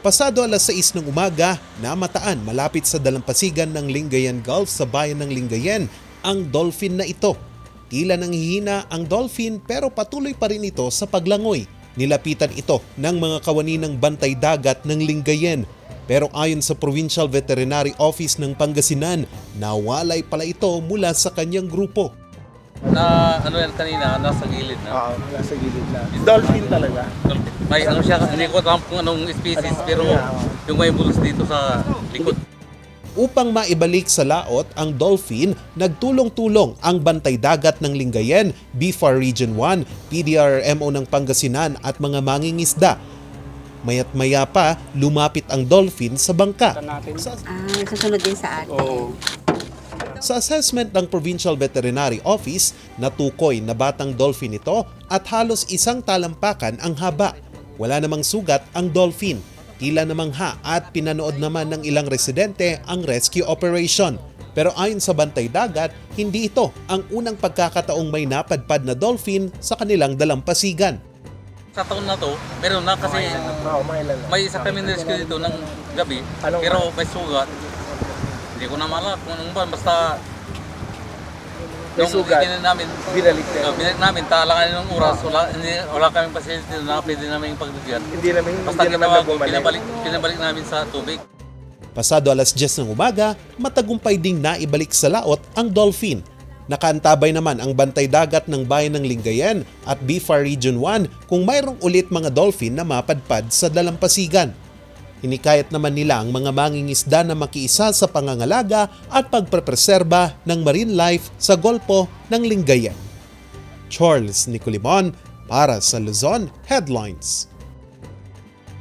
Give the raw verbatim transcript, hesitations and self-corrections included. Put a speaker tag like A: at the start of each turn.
A: Pasado alas sais ng umaga, namataan malapit sa dalampasigan ng Lingayen Gulf sa bayan ng Lingayen ang dolphin na ito. Tila nanghihina ang dolphin pero patuloy pa rin ito sa paglangoy. Nilapitan ito ng mga kawani ng bantay dagat ng Lingayen. Pero ayon sa Provincial Veterinary Office ng Pangasinan, nawalay pala ito mula sa kanyang grupo.
B: Na ano yan kanina, nasa gilid na.
C: Oo, nasa gilid na. Dolphin talaga.
B: May ano siya, hindi ko alam kung anong species, pero yung may bulos dito sa likod.
A: Upang maibalik sa laot ang dolphin, nagtulong-tulong ang bantay dagat ng Lingayen, B F A R Region one, P D R R M O ng Pangasinan at mga mangingisda. Maya't maya pa, lumapit ang dolphin sa bangka. Sa,
D: Ah, susunod din sa atin.
C: Oo.
A: sa assessment ng Provincial Veterinary Office, natukoy na batang dolphin ito at halos isang talampakan ang haba. Wala namang sugat ang dolphin. Tila namangha at pinanood naman ng ilang residente ang rescue operation. Pero ayon sa bantay dagat, hindi ito ang unang pagkakataong may napadpad na dolphin sa kanilang dalampasigan.
B: Sa taon na to, meron na kasi
C: Oo, mailan na.
B: may isa kami rescue dito ng gabi,
C: Anong-
B: pero may sugat. Hindi ko na malak kung anong ba, basta
C: May sugat.
B: itin namin,
C: Binalik na.
B: uh, binalik namin, talangan ng oras, wala, hindi, wala kaming pasyente na pwede namin pagbigyan.
C: Hindi naman,
B: Basta
C: hindi naman
B: ginawa
C: na
B: ko,
C: bumalik.
B: pinabalik, pinabalik namin sa tubig.
A: Pasado alas diyes ng umaga, matagumpay ding naibalik sa laot ang dolphin. Nakaantabay naman ang bantay dagat ng bayan ng Lingayen at B F A R Region one kung mayroong ulit mga dolphin na mapadpad sa dalampasigan. Hinikayat naman nila ang mga mangingisda na makiisa sa pangangalaga at pagprepreserba ng marine life sa Golpo ng Lingayen. Charles Nicolimon para sa Luzon Headlines.